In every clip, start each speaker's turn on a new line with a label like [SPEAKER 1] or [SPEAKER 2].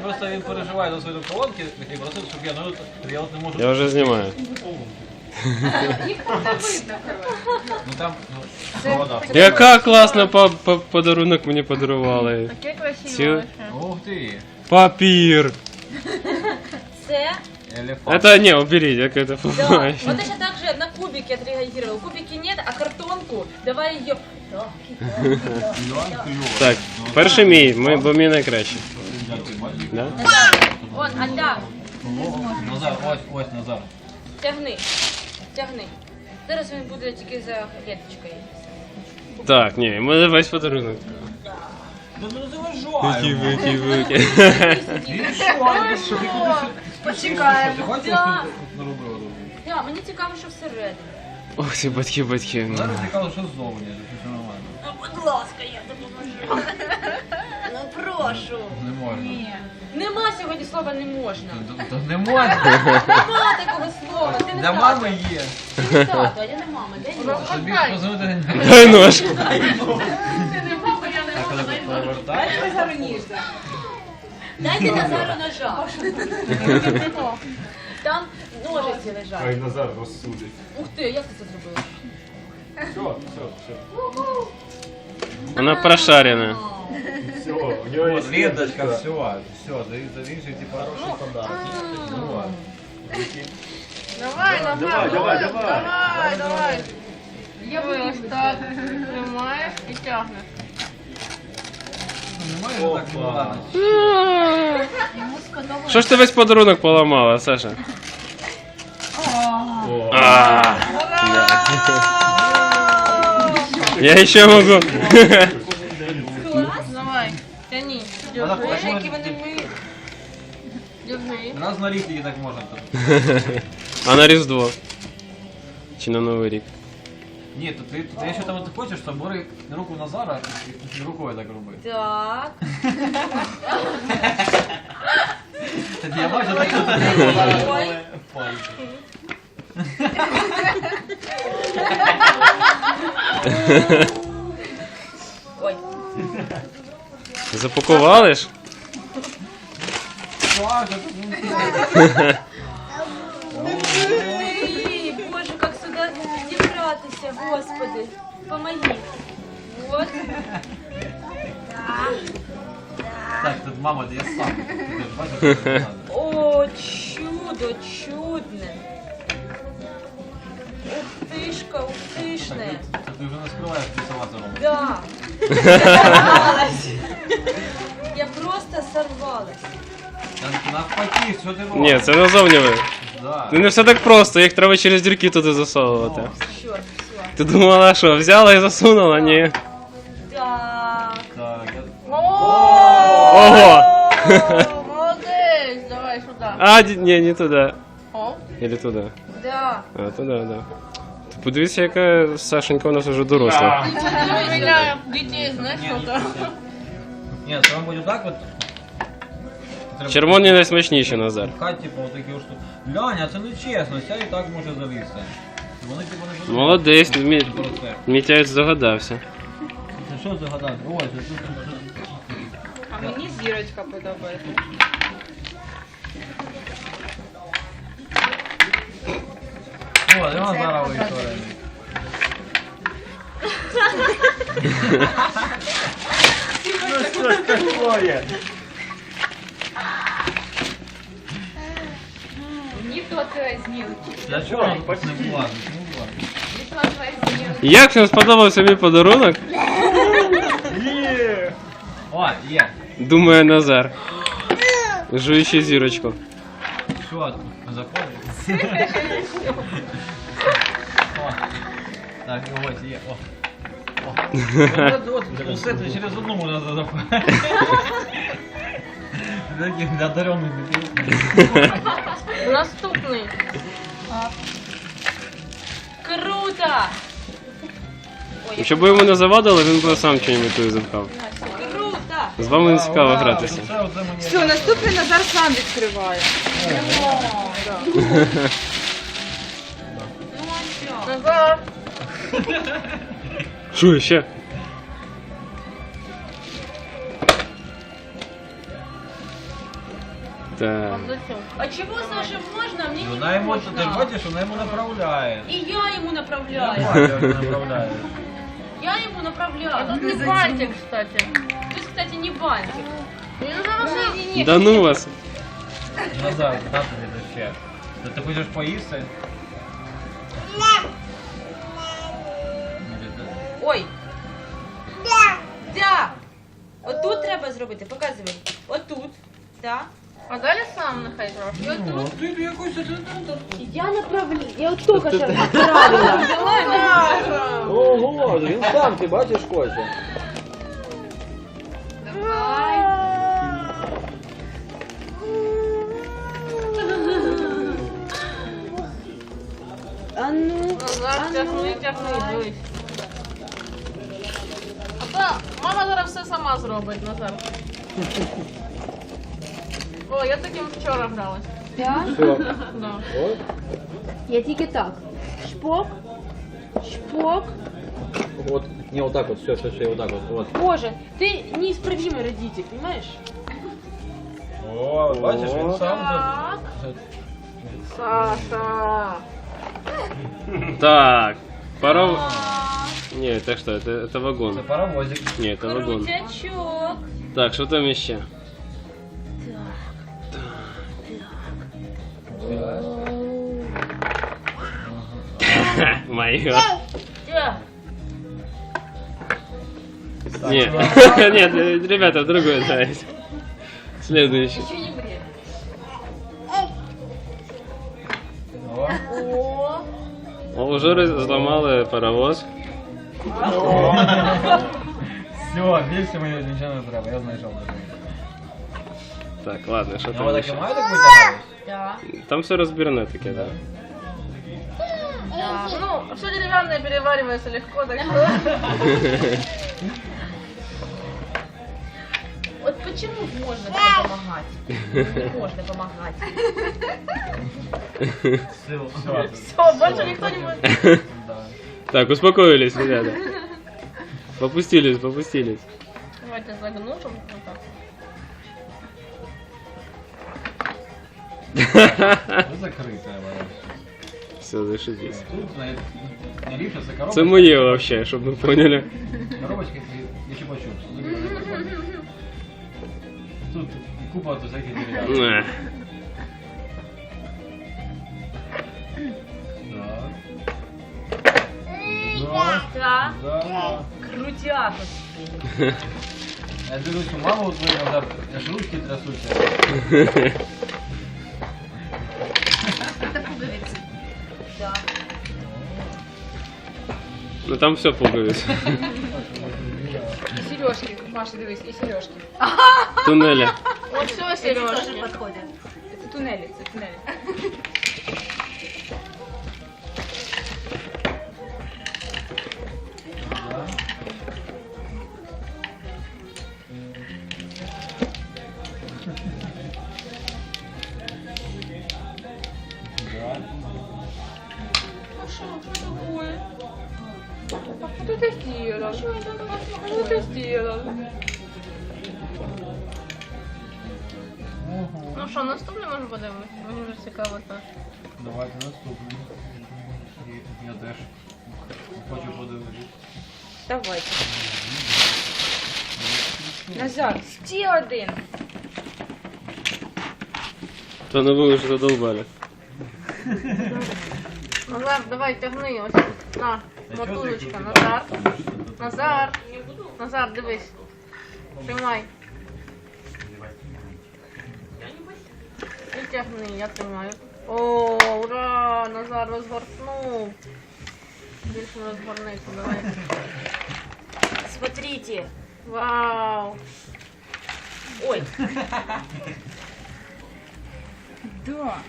[SPEAKER 1] просто він переживає за свої колонки, і просив, щоб я от не можу.
[SPEAKER 2] Я вже знімаю.
[SPEAKER 3] Їх там не видно, коротше.
[SPEAKER 1] Ну там, провода.
[SPEAKER 2] Яка класна подарунок мені подарували.
[SPEAKER 3] Таке красиве.
[SPEAKER 1] Ух ти.
[SPEAKER 2] Папір.
[SPEAKER 4] Це
[SPEAKER 1] Елефант.
[SPEAKER 2] Это не, уберите, как это
[SPEAKER 4] да.
[SPEAKER 2] понимаешь.
[SPEAKER 4] Вот точно так же на кубики отреагировал. Кубики нет, а картонку давай ее. Да,
[SPEAKER 1] Іван кльово.
[SPEAKER 2] Так, перший мій, бо мій найкращий. Да?
[SPEAKER 4] Вон, Альда,
[SPEAKER 1] Назар, ось Назар.
[SPEAKER 4] тягни. Тягни. Зараз він буде тільки за клеточкою.
[SPEAKER 2] Так, ні, мене весь подарунок.
[SPEAKER 1] Да ну заважай.
[SPEAKER 2] Вики.
[SPEAKER 3] Почекаємо.
[SPEAKER 1] Ти хочеш
[SPEAKER 4] Да.
[SPEAKER 1] тут наробила?
[SPEAKER 4] Да, мені цікаво, що всередині.
[SPEAKER 2] Ох ти, батьки.
[SPEAKER 1] Зараз цікаво, що ззовні, що нормально.
[SPEAKER 4] Ну, будь ласка, я допоможу. Ну, прошу.
[SPEAKER 1] Не можна.
[SPEAKER 3] Ні.
[SPEAKER 4] Нема сьогодні слова не можна.
[SPEAKER 1] То не можна.
[SPEAKER 4] Нема такого слова. Ти не
[SPEAKER 1] Для
[SPEAKER 4] тато.
[SPEAKER 1] мами є.
[SPEAKER 4] Ти не тато, а я не мама. Де я?
[SPEAKER 1] Тобі позвонити.
[SPEAKER 2] Дай нож.
[SPEAKER 3] Ти не мама, я не мама.
[SPEAKER 1] Повертаєш.
[SPEAKER 4] Дайте Назару ножа. Там ножиці лежать.
[SPEAKER 5] Назар розсудить.
[SPEAKER 4] Ух ти, як ти це зробила?
[SPEAKER 5] Все.
[SPEAKER 2] Вона прошарена.
[SPEAKER 5] Все, у нього є
[SPEAKER 1] Вот, ленточка, все, завішуй, типа, хороший подарок. Ну ладно.
[SPEAKER 3] Давай, Назар,
[SPEAKER 5] Давай.
[SPEAKER 3] давай. Я ось так тримаєш і тягнеш.
[SPEAKER 1] Немає же так, ну ладно.
[SPEAKER 2] Що ж ти весь подарунок поламала, Саша? А, да. Я ще можу.
[SPEAKER 3] Давай, тяни.
[SPEAKER 1] Вона
[SPEAKER 3] Держи.
[SPEAKER 1] хоче-
[SPEAKER 4] Які вони милі.
[SPEAKER 3] Держи.
[SPEAKER 1] Раз на рік тільки так можна. то.
[SPEAKER 2] А на Різдво? Чи на Новий рік?
[SPEAKER 1] Ні, то ти, якщо там ти хочеш, то бери руку Назара і рукою так роби.
[SPEAKER 4] Так.
[SPEAKER 1] Тоді я бачу, так
[SPEAKER 4] Ой.
[SPEAKER 1] пальці.
[SPEAKER 4] Ой.
[SPEAKER 2] Запакували ж?
[SPEAKER 1] Саша, тут
[SPEAKER 4] Ой, боже, как сюда дібратися, господи. Помоги. Вот.
[SPEAKER 1] Так, тут мама, я сам. Ти ж бачиш, що надо.
[SPEAKER 4] О, чудо, чудне. Ух тишне.
[SPEAKER 1] Це ти вже не скриваєш, ти сама це робиш.
[SPEAKER 4] Да. Я сорвалась. Я просто сорвалась.
[SPEAKER 1] Навпаки, що ти робиш?
[SPEAKER 2] Ні, це назовні ви.
[SPEAKER 1] Да.
[SPEAKER 2] Ну не все так просто, їх треба через дірки туди засовувати.
[SPEAKER 4] Чорт, все.
[SPEAKER 2] Ти думала, що взяла і засунула? Ні.
[SPEAKER 4] Так.
[SPEAKER 1] Так,
[SPEAKER 2] Ого!
[SPEAKER 3] Молодець, давай сюди.
[SPEAKER 2] А, ні, не туди.
[SPEAKER 3] О,
[SPEAKER 2] Или туди.
[SPEAKER 4] Да.
[SPEAKER 2] А, туди, да. Ти подивися, яка Сашенька у нас вже доросла.
[SPEAKER 3] для дітей, знаєш, що там?
[SPEAKER 1] Ні, це вам буде так от. Треба
[SPEAKER 2] Червоні найсмачніші, Назар.
[SPEAKER 1] пхати, типу, отакі от штуки. Ляня, це не чесно, ця і так може залізти. Вони типу не будуть.
[SPEAKER 2] Молодець,
[SPEAKER 1] Про це.
[SPEAKER 2] Мітяєць здогадався.
[SPEAKER 1] Це що загадати? Ой, це тут.
[SPEAKER 3] А мені зірочка подобається.
[SPEAKER 1] О, і вона зараз історія.
[SPEAKER 5] Ну що ж такое?
[SPEAKER 3] Ніхто твоя змілки.
[SPEAKER 1] Для чого? Не влазить, не влазить.
[SPEAKER 3] Ніхто твоя змілки.
[SPEAKER 2] Як вам сподобався мій подарунок?
[SPEAKER 5] Є!
[SPEAKER 1] О, є.
[SPEAKER 2] Думає Назар. Жуючи зірочку.
[SPEAKER 1] Що, заходить? О. Так, ось є. О. От, усе це через одну можна запхати. Таких одарених дітей.
[SPEAKER 4] Наступний. Круто! Ой,
[SPEAKER 2] Якщо б йому не завадили, він би сам чим-небудь запхав.
[SPEAKER 4] круто!
[SPEAKER 2] З вами не цікаво гратися.
[SPEAKER 3] Все, наступний Назар сам відкриває. Назар.
[SPEAKER 2] Що ще? Так.
[SPEAKER 4] А чего Саше можно, а мне не
[SPEAKER 1] Вона йому, ти
[SPEAKER 4] можно?
[SPEAKER 1] бачиш, вона йому направляє.
[SPEAKER 4] И я ему направляю.
[SPEAKER 1] Нормально направляє.
[SPEAKER 4] Я ему направляю.
[SPEAKER 3] Тут не бантик, кстати.
[SPEAKER 4] Тут, кстати, не бантик.
[SPEAKER 2] Да ну вас.
[SPEAKER 1] Назад, да, тобі до ще. Ти хочеш поїсти?
[SPEAKER 4] Ой. Да. Отут треба зробити, показуй. Отут. Так.
[SPEAKER 3] А далі сам нехай трошки.
[SPEAKER 1] Ну, ти якось
[SPEAKER 4] Я направляю. Я от тільки що направила.
[SPEAKER 1] Ого, він сам, ти бачиш, хоче.
[SPEAKER 3] Давай.
[SPEAKER 4] А ну.
[SPEAKER 3] Назар, тягни, дивись. А то мама зараз все сама зробить, Назар. О, я таким вчора гралась.
[SPEAKER 4] Так?
[SPEAKER 3] Да.
[SPEAKER 4] Я тільки так. Шпок. Шпок.
[SPEAKER 1] Вот, не вот так вот, все, вот так вот.
[SPEAKER 4] Боже, ты неисправимый родитель, понимаешь?
[SPEAKER 1] О, бачиш, він сам
[SPEAKER 3] Так. Саша.
[SPEAKER 2] Так. Паров... Не, это что? Это вагон.
[SPEAKER 1] Це паровозик.
[SPEAKER 2] Не, это вагон.
[SPEAKER 4] Крутячок.
[SPEAKER 2] Так, что там еще? Мое.
[SPEAKER 4] Да.
[SPEAKER 2] Нет, нет, ребята, другой давайте. Следующий.
[SPEAKER 4] Еще не бред.
[SPEAKER 1] О.
[SPEAKER 4] О.
[SPEAKER 2] О, уже взломали паровоз.
[SPEAKER 1] Все, більше мені нічого не треба, я знайшов.
[SPEAKER 2] Так, ладно, что
[SPEAKER 1] Ну,
[SPEAKER 2] там
[SPEAKER 1] так і
[SPEAKER 2] еще?
[SPEAKER 1] має так витягати?
[SPEAKER 4] Да.
[SPEAKER 2] Там все разбирано таки, да.
[SPEAKER 3] Да. Ну, все деревянное переваривается легко, так что...
[SPEAKER 4] Вот почему можно тебе помогать? Не можно помогать.
[SPEAKER 1] Все.
[SPEAKER 3] Все, больше никто не будет.
[SPEAKER 2] Так, успокоились, ребята. Попустились, попустились.
[SPEAKER 3] Давайте загнушим вот так.
[SPEAKER 1] Закрита вона.
[SPEAKER 2] Все, зашибись.
[SPEAKER 1] Тут не ліпше, це коробочка.
[SPEAKER 2] Це моє вообще, щоб ви поняли.
[SPEAKER 1] Коробочка я ще почув. Тут купа тут всяких дерев'яних. Так.
[SPEAKER 4] Да.
[SPEAKER 1] Да.
[SPEAKER 4] Крутяк.
[SPEAKER 1] Я дивлюсь, у маму твою назад, аж ручки трясуться.
[SPEAKER 4] Да.
[SPEAKER 2] Ну там все пуговицы.
[SPEAKER 3] И сережки, Маша, дивись, и сережки.
[SPEAKER 2] Туннеля.
[SPEAKER 3] Вот все сережки.
[SPEAKER 4] Это туннели, это туннели.
[SPEAKER 3] Что ты сделал? Что ты сделал? Ну що, наступне може подивимось? Мені вже цікаво так.
[SPEAKER 1] Давайте наступний. Я теж хочу подивитися.
[SPEAKER 4] Давайте. Назар, ще один.
[SPEAKER 2] То ну ви вже задолбали.
[SPEAKER 3] Назар, давай тягни ось. На, мотузочка, Назар. Назар. Назар, дивись. Тримай. І тягни, я тримаю. О, ура! Назар розгорнув. Більше не розгорнися, давай.
[SPEAKER 4] Смотрите.
[SPEAKER 3] Вау!
[SPEAKER 4] Ой.
[SPEAKER 3] Да.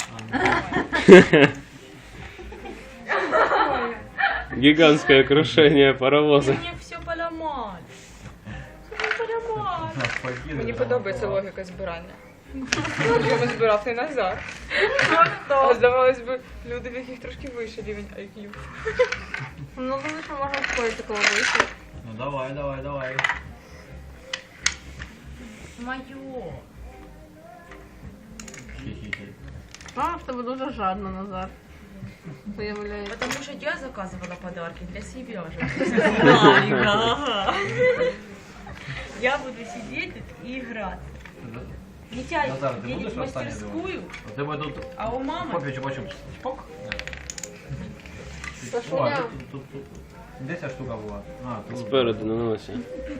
[SPEAKER 2] Гигантское крушение паровоза.
[SPEAKER 4] Мне все поломали. Все поломали.
[SPEAKER 3] Мені подобається логіка збирання. Чому збирав не Назар? А здавалось би, люди, в яких трошки вищий рівень IQ. Ну, думаю, що можна входити такого вийти.
[SPEAKER 1] Ну давай, давай, давай.
[SPEAKER 4] Мое.
[SPEAKER 3] Мама в тебе дуже жадна, Назар. Виявляється.
[SPEAKER 4] Потому что я заказывала подарки для себя же. Я буду сидеть тут и играть. Митя
[SPEAKER 1] Назар, ты
[SPEAKER 4] едет
[SPEAKER 1] будешь
[SPEAKER 4] в мастерскую,
[SPEAKER 1] У тебе тут
[SPEAKER 4] а у мамы...
[SPEAKER 1] попі чупа-чупс. Чпок. О,
[SPEAKER 3] Сашуня.
[SPEAKER 1] тут. Де ця штука була? А, тут.
[SPEAKER 2] Спереду на носі.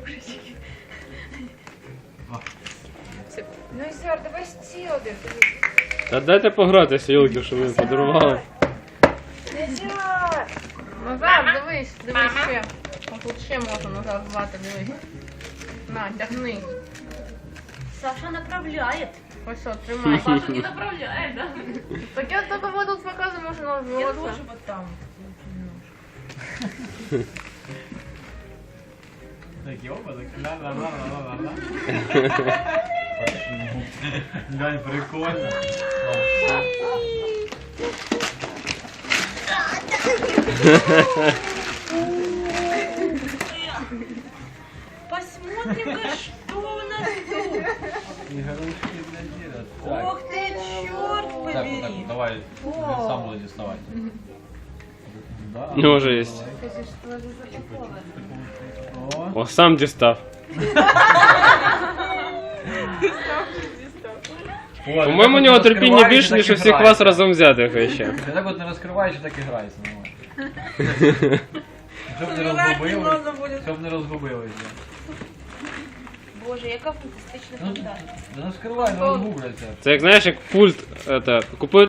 [SPEAKER 3] Ну, Ізяр, давай ще один.
[SPEAKER 2] Та дайте погратися, йолки, що ми подарували.
[SPEAKER 3] Назар, дивись ще. Ось тут ще можна Назар звати, дивись. На, тягни.
[SPEAKER 4] Саша направляет.
[SPEAKER 3] Ось що, тримай.
[SPEAKER 4] Саша не направляет, да?
[SPEAKER 3] Так я только вот тут показываю, можно
[SPEAKER 4] Я
[SPEAKER 3] наживаться.
[SPEAKER 4] тоже вот там.
[SPEAKER 1] Такі опа, так ла-ла-ла-ла-ла-ла. Глянь, прикольно.
[SPEAKER 4] Посмотрим-ка, что у нас тут.
[SPEAKER 1] Игрушки для деда. Так.
[SPEAKER 4] Ох ты, черт
[SPEAKER 1] Так, так,
[SPEAKER 4] побери.
[SPEAKER 1] давай, сам буду доставать. Да,
[SPEAKER 2] Ну, уже есть.
[SPEAKER 1] О,
[SPEAKER 2] О, сам дістав.
[SPEAKER 1] О,
[SPEAKER 2] По-моєму, у
[SPEAKER 1] ти
[SPEAKER 2] нього
[SPEAKER 1] так
[SPEAKER 2] терпіння
[SPEAKER 1] розкриваєш,
[SPEAKER 2] більше,
[SPEAKER 1] так
[SPEAKER 2] ніж
[SPEAKER 1] і
[SPEAKER 2] у всіх
[SPEAKER 1] граєш.
[SPEAKER 2] вас разом взятих ще.
[SPEAKER 1] Ти так от не розкриваєш і так і граєшся. Щоб не
[SPEAKER 4] Умирать не
[SPEAKER 1] розгубили.
[SPEAKER 4] надо будет.
[SPEAKER 1] Щоб не розгубилися.
[SPEAKER 4] Боже, яка фантастична
[SPEAKER 1] Ну,
[SPEAKER 4] фантазія.
[SPEAKER 1] да не розкривай, не розгубляться.
[SPEAKER 2] Це як знаєш, як пульт, купив